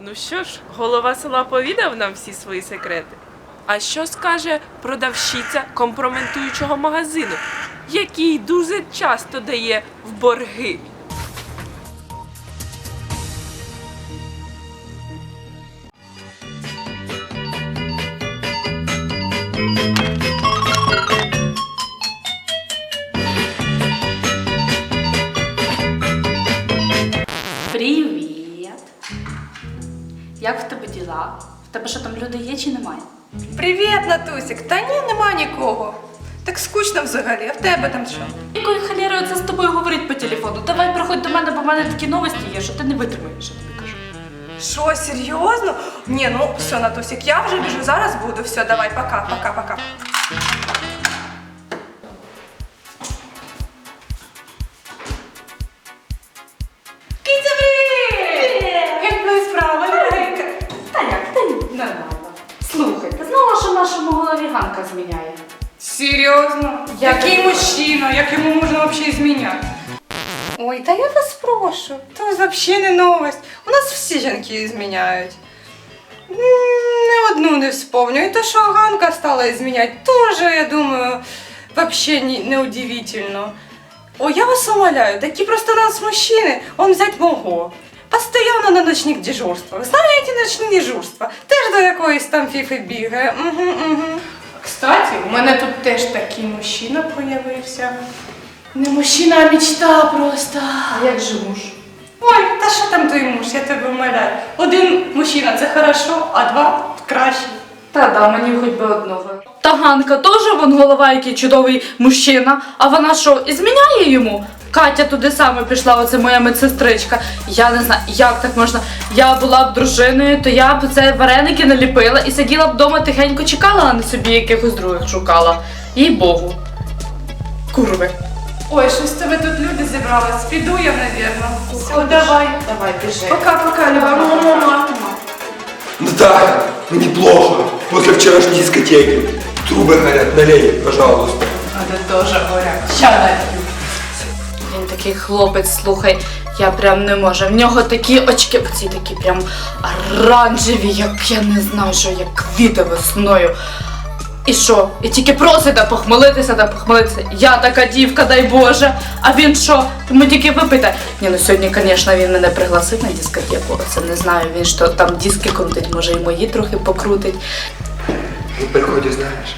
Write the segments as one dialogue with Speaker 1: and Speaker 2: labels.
Speaker 1: Ну що ж, голова села повідав нам всі свої секрети. А що скаже продавщиця компрометуючого магазину, який дуже часто дає в борги?
Speaker 2: Привіт! Як в тебе діла? В тебе що там люди є чи немає?
Speaker 3: Привіт, Натусік! Та ні, нема нікого. Так скучно взагалі, а в тебе там що?
Speaker 2: Якою халерою це з тобою говорить по телефону? Давай приходь до мене, бо в мене такі новості є, що ти не витримаєш, я тобі кажу.
Speaker 3: Що, серйозно? Ні, ну все, Натусік, я вже біжу, зараз буду. Все, давай, пока, пока, пока. Киця, привіт! Як твої справи, дорогенька?
Speaker 2: Та як? Та ні, нормально. Слухай, ти знала, що нашому голові Ганка зміняє?
Speaker 3: Серйозно? Який мужчина, як йому можна взагалі зміняти? Ой, та я вас прошу, то взагалі не новость. У нас всі жінки зміняють. Не одну не вспомню. І то, що Ганка стала зміняти, теж, я думаю, взагалі не удивительно. Ой, я вас умоляю, такі просто у нас мужчини, он взять мого. Постоянно на ночних дежурствах. Знаєте, ночні дежурства? Теж до якоїсь там фіфи бігає. Угу. Кстати, у мене тут теж такий мужчина появився. Не мужчина, а мечта просто.
Speaker 2: А як же муж?
Speaker 3: Ой, та що там той муж, я тебе умоляю. Один мужчина це хорошо, а два краще.
Speaker 2: Та да, мені хоч би одного. Та Ганка теж вон голова, який чудовий мужчина, а вона що, і зміняє йому? Катя туди саме пішла, оце моя медсестричка. Я не знаю, як так можна. Я була б дружиною, то я б це вареники наліпила і сиділа б вдома тихенько чекала, а не собі якихось других шукала. Їй Богу. Курви.
Speaker 3: Ой, щось в тебе тут люди зібрались. Піду я, навірно. Все, давай.
Speaker 2: Давай, біжи.
Speaker 3: Пока-пока, Люба. Мама.
Speaker 4: Наталя, мне плохо. После вчерашней дискотеки. Трубы горят, налей, пожалуйста.
Speaker 3: Надо тоже горять. Ща налью.
Speaker 2: Він такий хлопець, слухай, я прям не можу. В нього такі очки, оці такі прям оранжеві, як я не знаю, що як квіти весною. І що? І тільки просить да похмелитися. Я така дівка, дай Боже. А він що? Йому тільки випити. Ні, ну сьогодні, звісно, він мене пригласив на дискотеку. Оце не знаю, він що там диски крутить, може і мої трохи покрутить.
Speaker 4: Ну, приходи, знаешь.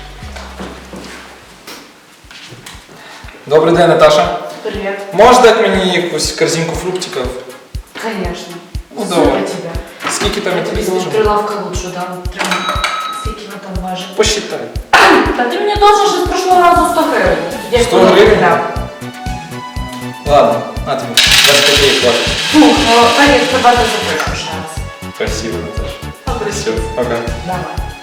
Speaker 5: Добрий день, Наташа.
Speaker 2: Привіт.
Speaker 5: Можеш дати мені якусь корзинку фруктиків?
Speaker 2: Звісно.
Speaker 5: Ну, давай. Скільки там я тобі должен?
Speaker 2: Прилавка лучше дам. Скільки ви там важите?
Speaker 5: Посчитай.
Speaker 2: Та ти мені должен ще з прошлого разу 100 гривень.
Speaker 5: 100 гривень? Ладно, на тобі. 25 гривень хватить.
Speaker 2: Фух, ну, конечно, тебе запишу ще раз.
Speaker 5: Спасибо, Наташа. Все, пока.
Speaker 2: Давай.